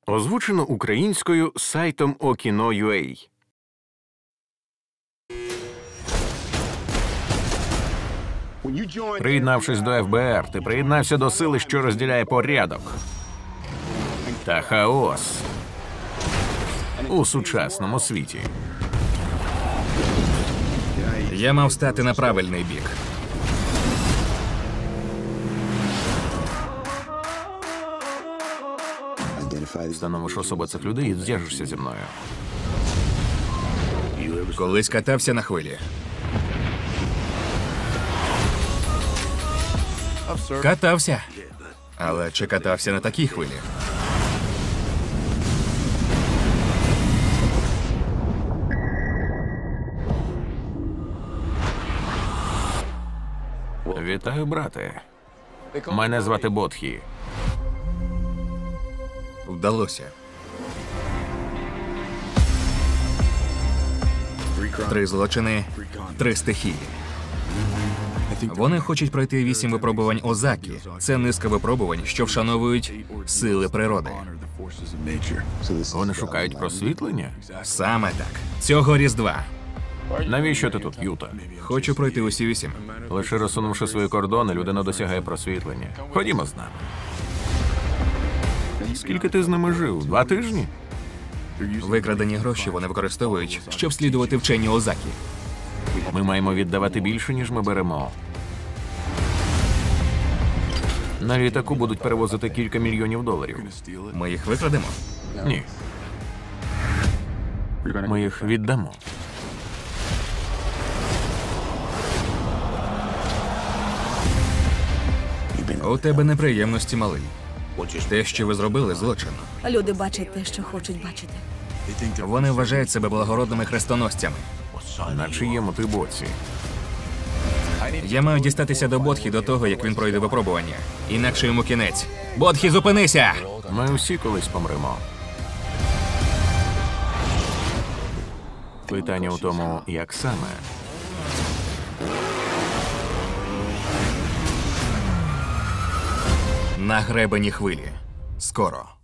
Озвучено українською сайтом Okino.ua. Приєднавшись до ФБР, ти приєднався до сили, що розділяє порядок та хаос у сучасному світі. Я мав стати на правильний бік. Встановиш особу цих людей і зв'яжешся зі мною. Колись катався на хвилі. Катався. Але чи катався на такій хвилі? Вітаю, брате. Мене звати Бодхі. Вдалося. 3 злочини, 3 стихії. Вони хочуть пройти 8 випробувань Озакі. Це низка випробувань, що вшановують сили природи. Вони шукають просвітлення? Саме так. Цього Різдва. Навіщо ти тут, Юта? Хочу пройти усі 8. Лише розсунувши свої кордони, людина досягає просвітлення. Ходімо з нами. Скільки ти з ними жив? 2 тижні? Викрадені гроші вони використовують, щоб слідувати вченню Озакі. Ми маємо віддавати більше, ніж ми беремо. На літаку будуть перевозити кілька мільйонів доларів. Ми їх викрадемо? Ні. Ми їх віддамо. У тебе неприємності, малий. Те, що ви зробили, злочин. Люди бачать те, що хочуть бачити. Вони вважають себе благородними хрестоносцями. На чиєму ти боці? Я маю дістатися до Бодхі до того, як він пройде випробування. Інакше йому кінець. Бодхі, зупинися! Ми всі колись помремо. Питання у тому, як саме. На гребені хвилі. Скоро.